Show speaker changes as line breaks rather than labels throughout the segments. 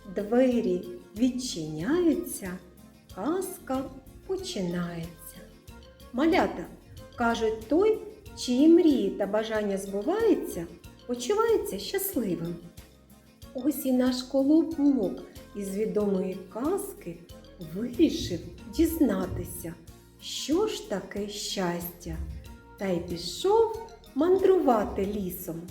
двері відчиняються, казка починається. Малята, кажуть, той, чиї мрії та бажання збуваються, почувається щасливим. Ось і наш колобок із відомої казки вирішив дізнатися, що ж таке щастя, та й пішов мандрувати лісом.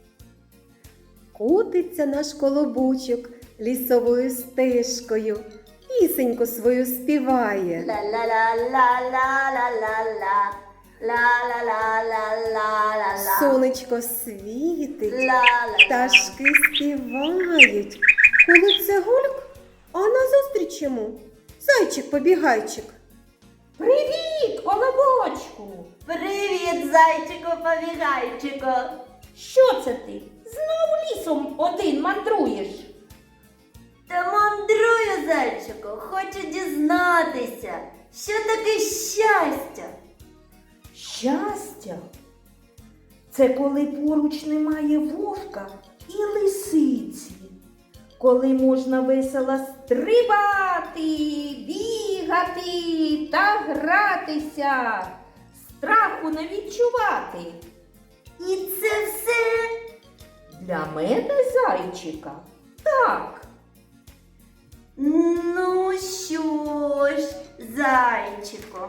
Котиться наш колобочок лісовою стежкою, пісеньку свою співає.
Ла-ла-ла-ла-ла-ла-ла-ла. Ла-ла-ла-ла-ла-ла-ла.
Сонечко світить,
Ла-ла-ла.
пташки співають. Коли це гульк, а назустріч йому зайчик-побігайчик.
Привіт, колобочку!
Привіт, зайчику-побігайчику.
Що це ти? Знову лісом один мандруєш?
Та мандрую, зайчику, хочу дізнатися, що таке щастя.
Щастя – це коли поруч немає вовка і лисиці. Коли можна весело стрибати, бігати та гратися, страху не відчувати.
І це все?
Для мене, зайчика, так.
Ну що ж, зайчику,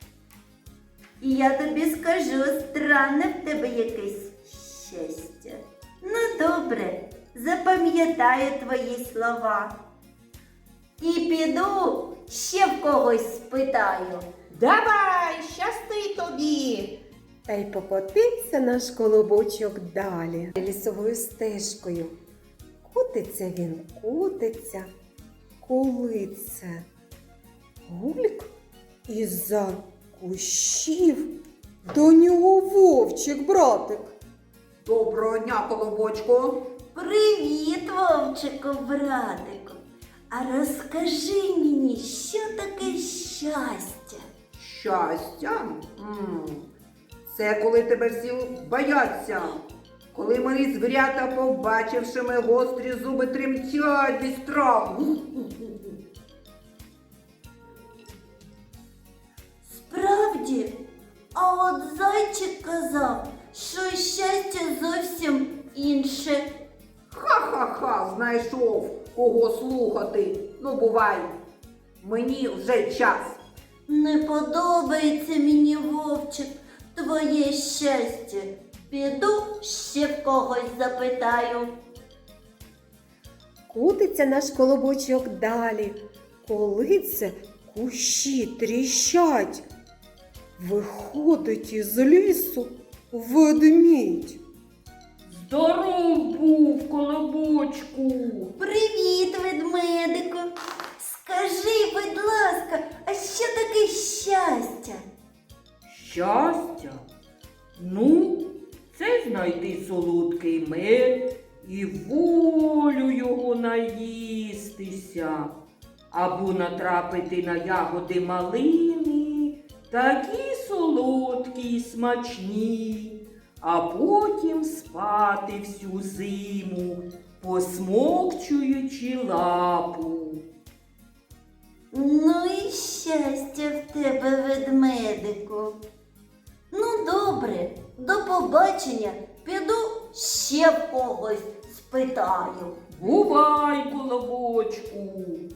я тобі скажу, странне в тебе якесь щастя. Ну добре, запам'ятаю твої слова. І піду ще в когось спитаю.
Давай, щасти тобі!
Та й покотився наш колобочок далі лісовою стежкою. Котиться він, котиться, коли це гульк із-за кущів до нього вовчик, братик.
Доброго дня, колобочку.
Привіт, вовчику, братику. А розкажи мені, що таке щастя?
Щастя? Це коли тебе всі бояться. Коли мої звірята, побачивши мої гострі зуби, тремтять від страху.
Справді, а от зайчик казав, що щастя зовсім інше.
Ха-ха-ха, знайшов кого слухати. Ну, бувай, мені вже час.
Не подобається мені, вовчик, твоє щастя. Піду ще в когось запитаю.
Котиться наш колобочок далі, коли це кущі тріщать. Виходить із лісу ведмідь.
Здоров був, колобочку!
Привіт, ведмедику. Скажи, будь ласка, а що таке щастя?
Щастя? Ну, це знайти солодкий мед і волю його наїстися. Або натрапити на ягоди малини, такі солодкі й смачні, а потім спати всю зиму, посмокчуючи лапу.
Ну і щастя в тебе, ведмедику. Ну, добре, до побачення. Піду ще в когось спитаю.
Бувай, колобочку!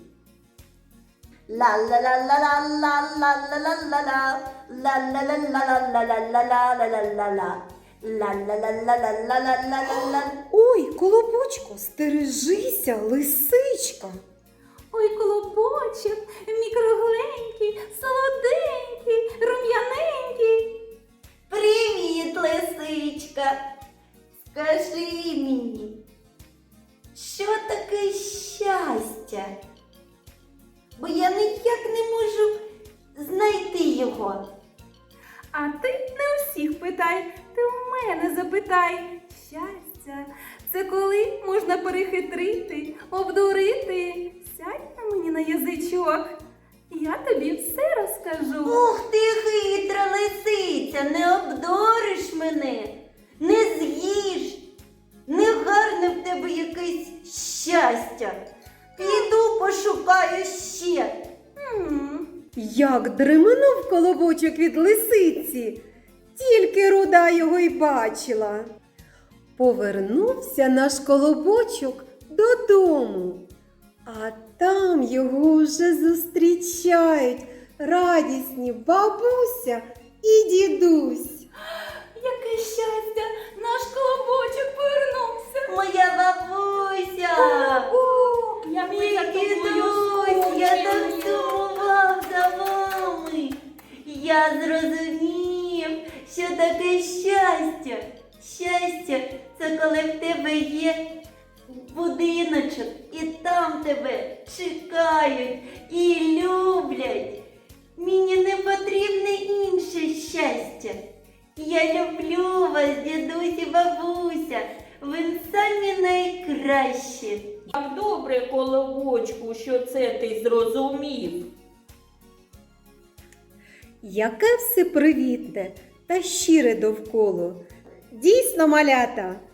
Ла-ла-ла-ла-ла-ла-ла-ла-ла-ла-ла. Ла-ла-ла-ла-ла-ла-ла-ла-ла-ла. Ла-ла-ла-ла-ла-ла-ла-ла-ла.
Ой, колобочко, стережися, лисичка.
Ой, колобочок, мій кругленький, солоденький, рум'яненький.
Привіт, лисичка. Скажи мені, що таке щастя? Бо я ніяк не можу знайти його.
А ти не усіх питай, ти у мене запитай. Щастя – це коли можна перехитрити, обдурити. Сядь на мені на язичок, я тобі все розкажу.
Ух ти, хитра лисиця, не обдуриш мене, не з'їш. Негарне в тебе якесь щастя. Піду пошукаю ще.
Як дременув колобочок від лисиці, тільки руда його й бачила. Повернувся наш колобочок додому, а там його вже зустрічають радісні бабуся і дідусь.
Яке щастя! Наш колобочок повернувся!
Моя бабуся!
Колобок, як ми
Мій
за тобою
дідусь, я так
скучили.
сумував за вами. Я зрозумів, що таке щастя. Щастя – це коли в тебе є будиночок, і там тебе чекають і люблять. Мені не потрібне інше щастя. Я люблю вас, дідусь і бабуся. Ви самі найкращі.
Як добре, колобочку, що це ти зрозумів.
Яке все привітне та щире довкола. Дійсно, малята,